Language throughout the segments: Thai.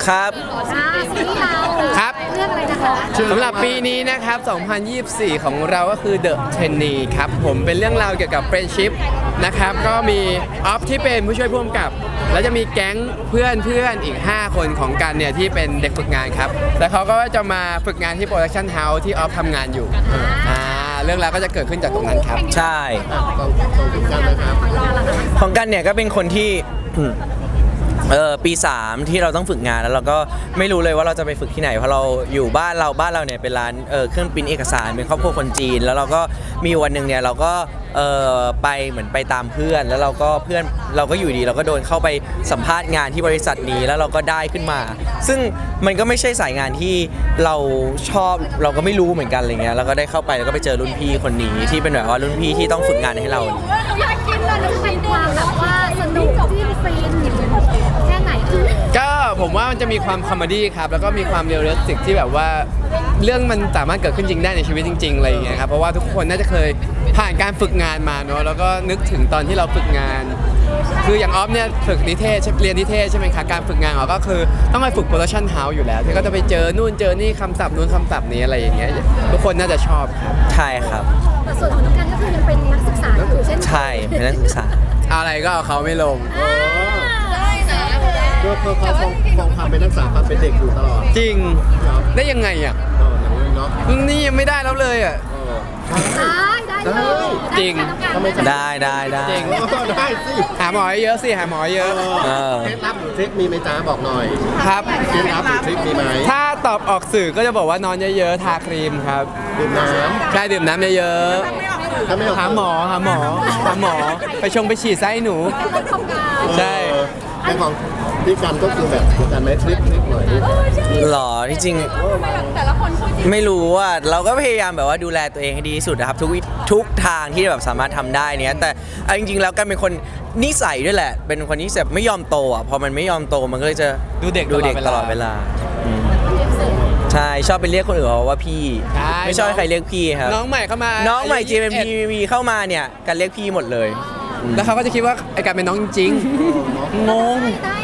ครับซีรีส์เราครับเรื่องอะไรนะคะสำหรับปีนี้นะครับ 2024 ของเราก็คือ The Trainee ครับผมเป็นเรื่องราวเกี่ยวกับ friendship นะครับก็มีออฟที่เป็นผู้ช่วยผู้กำกับ แล้วจะมีแก๊งเพื่อนอีก 5 คนของกันเนี่ยที่เป็นเด็กฝึกงานครับแล้วเขาก็จะมาฝึกงานที่โปรดักชั่นเฮาส์ที่ออฟทำงานอยู่เรื่องราวก็จะเกิดขึ้นจากตรงนั้นครับใช่ของคุณกันนะครับของกันเนี่ยก็เป็นคนที่ ปี 3 ที่เราต้องฝึกงานแล้วเราก็ไม่รู้เลยว่าเราจะไปฝึกที่ไหนเพราะเราอยู่บ้านเราเนี่ยเป็นร้านเครื่องปริ้นเอกสารเป็นครอบครัวคนจีนแล้วเราก็มีวันหนึ่งเนี่ยเราก็ไปเหมือนไปตามเพื่อนแล้วเราก็อยู่ดีเราก็โดนเข้าไปสัมภาษณ์งานที่บริษัทนี้แล้วเราก็ได้ขึ้นมา ซึ่งมันก็ไม่ใช่สายงานที่เราชอบเราก็ไม่รู้เหมือนกันอะไรเงี้ยแล้วก็ได้เข้าไปแล้วก็ไปเจอรุ่นพี่คนนี้ที่เป็นแบบว่ารุ่นพี่ที่ต้องฝึกงานให้เราอยากกินเลยจะเป็นความแบบว่าสนุกจิ้นฟินแค่ไหนคือก็ผมว่ามันจะมีความคอมเมดี้ครับแล้วก็มีความเรียลลิสติกที่แบบว่าเรื่องมันสามารถเกิดขึ้นจริงได้ในชีวิตจริงๆอะไรอย่างเงี้ยครับเพราะว่าทุกคนน่าจะเคยผ่านการฝึกงานมาเนาะแล้วก็นึกถึงตอนที่เราฝึกงาน คืออย่างออฟเนี่ยฝึกนิเทศเรียนนิเทศใช่ไหมคะการฝึกงานก็คือต้องไปฝึกโปรดักชั่นเฮาส์อยู่แล้วที่ก็จะไปเจอนู่นเจอนี่คำศัพท์นู้นคำศัพท์นี้อะไรอย่างเงี้ยทุกคนน่าจะชอบครับใช่ครับแต่ส่วนของน้องกันก็คือยังเป็นนักศึกษาอยู่เช่นใช่เป็นนักศึกษาอะไรก็เอาเขาไม่ลงได้นะก็เขาคงความเป็นนักศึกษาความเป็นเด็กอยู่ตลอดจริงได้ยังไงอ่ะอย่างนี้เนาะนี่ยังไม่ได้แล้วเลยอ่ะได้เลยจริงทำไมจะได้จริงได้สิหาหมอเยอะสิหาหมอเยอะเคล็ดลับหรือทริคมีไหมจ้าบอกหน่อยครับเคล็ดลับหรือทริคมีไหมถ้าตอบออกสื่อก็จะบอกว่านอนเยอะๆทาครีมครับดื่มน้ใช่ดื่มน้ำเยอะำถ้าไม่ออกๆหาหมอไปชงไปฉีดไส้หนู ใช่แต่ของพี่กันก็คือแบบกันไหมทริคหน่อยดิหรอที่จริงไม่รู้ว่าเราก็พยายามแบบว่าดูแลตัวเองให้ดีที่สุดนะครับทุกทางที่แบบสามารถทำได้เนี้ยแต่เอาจริงๆแล้วกันเป็นคนนิสัยด้วยแหละ เป็นคนที่แบบไม่ยอมโตอ่ะพอมันไม่ยอมโตมันก็เลยจะดูเด็กตลอดเวลาอืมใช่ชอบไปเรียกคนอื่นว่าพี่ใช่ไม่ชอบให้ใครเรียกพี่ครับน้องใหม่เข้ามาน้องใหม่อายุ JMTV เข้ามาเนี่ยกันเรียกพี่หมดเลยอืมแล้วเขาก็จะคิดว่าไอ้การเป็นน้องจริงๆงง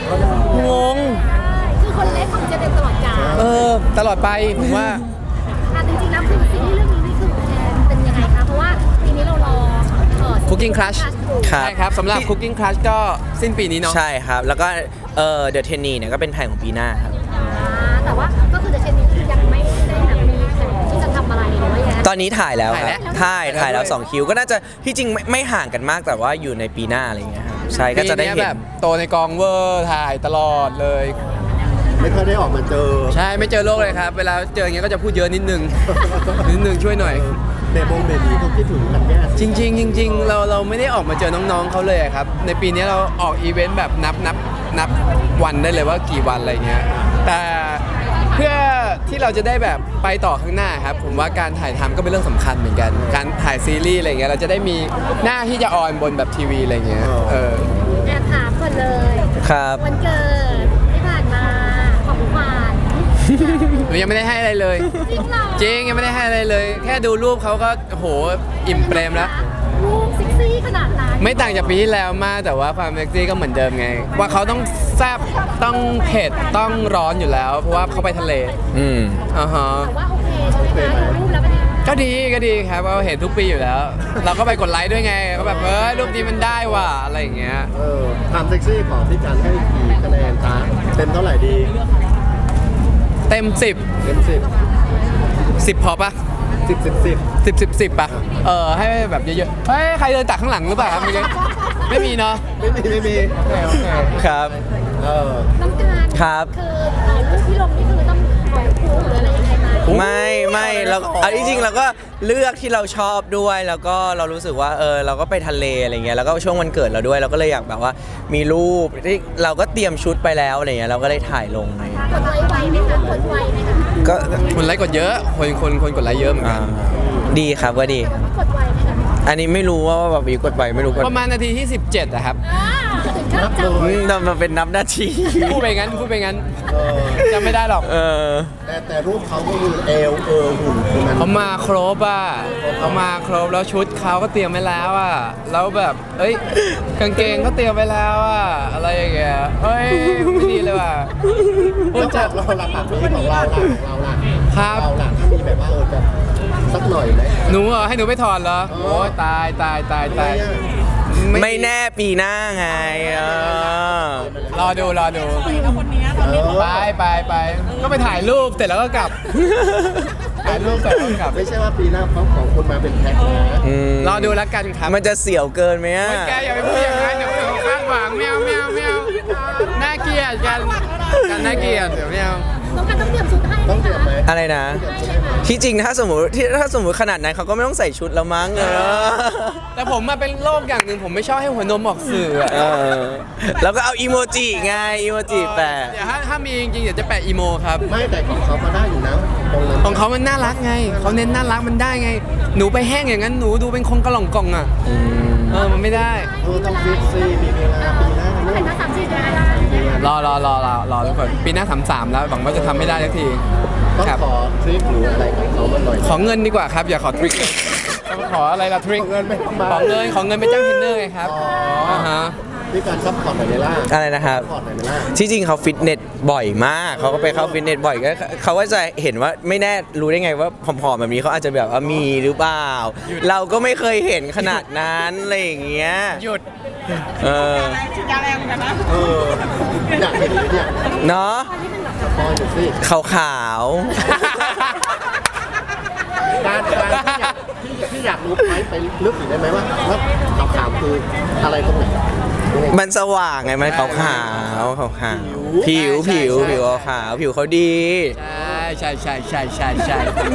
คือคนเล็กของเจเดนตลอดกาลตลอดไปผมว่าจริงๆแล้วคือซีรีส์เรื่องนี้นี่คือเป็นยังไงคะเพราะว่าปีนี้เรารอ Cooking Crush ครับใช่ครับสำหรับ Cooking Crush ก็สิ้นปีนี้เนาะใช่ครับแล้วก็The Trainee เนี่ยก็เป็นแผนของปีหน้าครับแต่ว่าก็คือเดอะเชนนี้คือยังไม่ได้แบบมีแผนที่จะทำอะไรหรือว่าอย่างตอนนี้ถ่ายแล้วครับ ถ่ายแล้วด้วย 2 คิวก็น่าจะที่จริงไม่ห่างกันมากแต่ว่าอยู่ในปีหน้าอะไรอย่างเงี้ยครับใช่ก็จะได้ปีเห็นี้นแบบโตในกองเวอร์ถ่ายตลอดเลยไม่ค่อยได้ออกมาเจอใช่ไม่เจอโลกเลยครับ เวลาเจออย่างเงี้ยก็จะพูดเยอะนิดนึง ช่วยหน่อยเบบีก็คิดถึงกันแย่จริงๆเราไม่ได้ออกมาเจอน้องๆเขาเลยอะครับ ในปีนี้เราออกอีเวนต์แบบนับวันได้เลยว่ากี่วันอะไรเงี้ยแต่เพื่อที่เราจะได้แบบไปต่อข้างหน้าครับผมว่าการถ่ายทำก็เป็นเรื่องสำคัญเหมือนกัน การถ่ายซีรีส์อะไรเงี้ยเราจะได้มีหน้าที่จะออนบนแบบทีวีอะไรเงี้ยแอบถามก่อนเลยครับวันเกิดที่ผ่านมาของขวัญหนูยังไม่ได้ให้อะไรเลยจริงเหรอจริงยังไม่ได้ให้อะไรเลย แค่ดูรูปเขาก็โหอิ่มเปรมแล้วรูปเซ็กซี่ขนาดนั้นไม่ต่างจากปีที่แล้วมากแต่ว่าความเซ็กซี่ก็เหมือนเดิมไง ว่าเขาต้องแซ่บต้องเผ็ดต้องร้อนอยู่แล้ว เพราะว่าเขาไปทะเลอืมอ่าฮะแต่ว่าโอเคใช่ไหมคะดูรูปแล้วเป็นยังไงก็ดีครับเราเห็นทุกปีอยู่แล้ว เราก็ไปกดไลค์ด้วยไงก็แบบรูปนี้มันได้ว่ะอะไรอย่างเงี้ยความเซ็กซี่ของพี่กันให้กี่คะแนนจ้าเต็มเท่าไหร่ดีเต็ม 10 เต็ม 10พอปะ 10 10 ปะให้แบบเยอะๆเฮ้ยใครเดินตักข้างหลังหรือเปล่าครับเมื่อกี้ไม่มีเนาะไม่มีโอเคครับน้ำการครับคือรูปที่ลงนี่คือต้องปล่อยคู่หรืออะไรยังไงไหมไม่เราเอาจริงๆเราก็เลือกที่เราชอบด้วยแล้วก็เรารู้สึกว่าเราก็ไปทะเลอะไรเงี้ยแล้วก็ช่วงวันเกิดเราด้วยเราก็เลยอยากแบบว่ามีรูปที่เราก็เตรียมชุดไปแล้วอะไรเงี้ยเราก็เลยถ่ายลงอะไรเงี้ยกดไลค์ไวไหมคะกดไวไหมคะก็คนไลค์กดเยอะคนกดไลค์เยอะเหมือนกันดีครับก็ดีกดไวไหมคะอันนี้ไม่รู้ว่าแบบมีกดไปไม่รู้กดประมาณนาทีที่ 17อะครับถึงขั้นจับมันเป็นนับนาทีพูดไปงั้นจำไม่ได้หรอกแต่รูปเขาก็คือเอวหุ่นคือมันเขามาครบอ่ะเขามาครบแล้วชุดเขาก็เตรียมไว้แล้วอ่ะแล้วแบบกางเกงก็เตรียมไว้แล้วอ่ะอะไรอย่างเงี้ยไม่ดีเลยว่ะพูดแล้วจะเราหลักๆที่ของเราล่ะครับเราล่ะถ้ามีแบบว่าจะสักหน่อยไหมหนูเหรอให้หนูไปถอนเหรอโอ้ยตายตายตายตายไม่แน่ปีหน้าไงรอดูไปก็ไปถ่ายรูปเสร็จแล้วก็กลับ ถ่ายรูปเสร็จแล้วก็กลับไม่ใช่ว่าปีหน้าเขาของคุณมาเป็นแพ็คนะรอดูแล้วกันครับมันจะเสี่ยวเกินไหมอะแกอย่าไปพูดอย่างนั้นเดี๋ยวเขาคาดหวังแมวน่าเกลียดกันน่าเกลียดเดี๋ยวแมวต้องการต้องเตรียมชุดให้ไหมต้องเตรียมคะไหมอะไรนะ ที่จริงถ้าสมมติขนาดนั้นเขาก็ไม่ต้องใส่ชุดแล้วมั้งแต่ผมมาเป็นโรคอย่างหนึ่งผมไม่ชอบให้หัวนมออกสื่ออะแล้วก็เอาอีโมจิไงอีโมจิแปะเดี๋ยวถ้ามีจริงๆเดี๋ยวจะแปะอีโมครับไม่แต่ของเขาก็ได้อยู่นะตรงนั้นของเขามันน่ารักไงเขาเน้นน่ารักมันได้ไง หนูไปแห้งอย่างนั้นหนูดูเป็นคงกระหล่องกล่องอ่ะมันไม่ได้ต้องฟิตซีมีเวลาปีหน้าเห็นมา3-4เดือนแล้วรอทุกคนปีหน้า33แล้วหวังว่าจะทำให้ได้สักทีต้องครับขอทริปหรืออะไรกับเขามาหน่อยขอเงินดีกว่าครับอย่าขอทริคขออะไรล่ะทริคเงินไม่ต้องมาขอเงินไปจ้างเทรนเนอร์ไงครับฮะด้วยการซัพพอร์ตหน่อยไหมล่ะอะไรนะครับซัพพอร์ตหน่อยไหมล่ะที่จริงเขาฟิตเนสบ่อยมาก เขาก็ไปเข้าฟิตเนสบ่อยก็เขาก็จะเห็นว่าไม่แน่รู้ได้ไงว่าผอมๆแบบนี้เขาอาจจะแบบว่ามีหรือเปล่า เราก็ไม่เคยเห็นขนาดนั้นอะไรอย่างเงี้ยหยุดเออเอออยากเห็นเลยเนี่ยเนาะพออยู่สิขาวการที่อยากรู้ไปลึกอีกได้ไหมว่าขาวๆคืออะไรตรงไหนๆมันสว่างไงมันขาวๆขาวๆผิวขาวผิวเขาดีใช่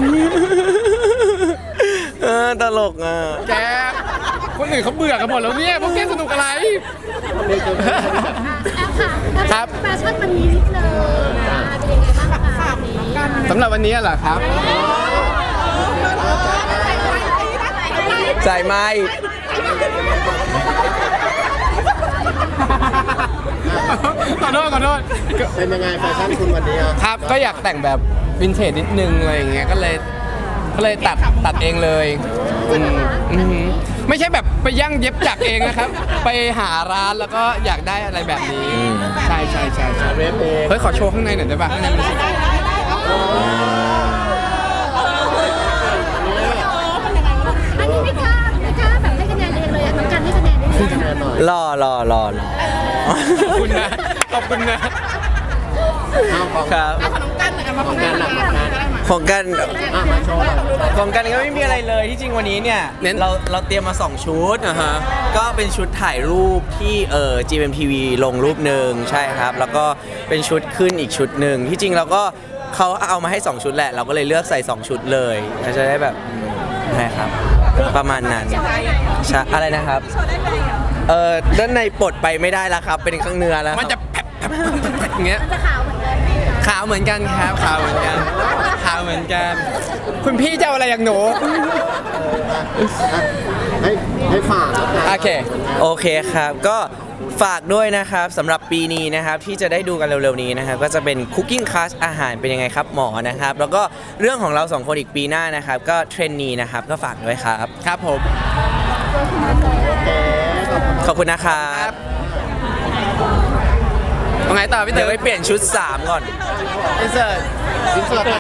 ตลกอ่ะแกคนอื่นเขาเบื่อกันหมดแล้วเนี่ยพวกแกสนุกอะไรแอปค่ะครับแฟชั่นวันนี้นิดนึงนะเป็นยังไงบ้างคะวันนี้สำหรับวันนี้เหรอครับใส่ไม้ขอโทษเป็นยังไงแฟชั่นคุณวันนี้อ่ะครับก็อยากแต่งแบบวินเทจนิดนึงอะไรอย่างเงี้ยก็เลยตัดเองเลยอืมไม่ใช่แบบไปย่างเย็บจักรเองนะครับ ไปหาร้านแล้วก็อยากได้อะไรแบบนี้ ใช่เรฟเองเฮ้ยขอโชว์ข้างในหน่อยได้ป่ะข้างในมันอันนี้ไม่กล้าแบบให้คะแนนเองเลยอะน้องกันให้คะแนนได้เลยคะแนนหน่อยรอขอบคุณนะเอาของครับของการหนักงานของกันมาโชว์หน่อยของกันก็ไม่มีอะไรเลยที่จริงวันนี้เนี่ยเราเตรียมมา2ชุดอ่าฮะก็เป็นชุดถ่ายรูปที่GMMTV ลงรูปหนึ่งใช่ครับ แล้วก็เป็นชุดขึ้นอีกชุดหนึ่งที่จริงเราก็เขาเอามาให้2ชุดแหละเราก็เลยเลือกใส่2ชุดเลยเราจะได้แบบใช่ครับประมาณนั้นใช่อะไรนะครับด้านในปลดไปไม่ได้แล้วครับเป็นข้างเนื้อแล้วมันจะแผลบอย่างเงี้ยมันจะขาวเหมือนกันขาวเหมือนกันครับขาวเหมือนกัน คุณพี่จะเอาอะไรอย่างหนูให้ฝากแล้วกันโอเคโอเคครับก็ฝากด้วยนะครับสำหรับปีนี้นะครับที่จะได้ดูกันเร็วๆนี้นะครับก็จะเป็น Cooking Class อาหารเป็นยังไงครับหมอนะครับแล้วก็เรื่องของเรา2คนอีกปีหน้านะครับก็เทรนนีนะครับก็ฝากด้วยครับครับผมขอบคุณนะครับเอาไงต่อพี่เต๋เดี๋ยอวไปเปลี่ยนชุด 3 ก่อนอินเสิร์ตอินเสิร์ต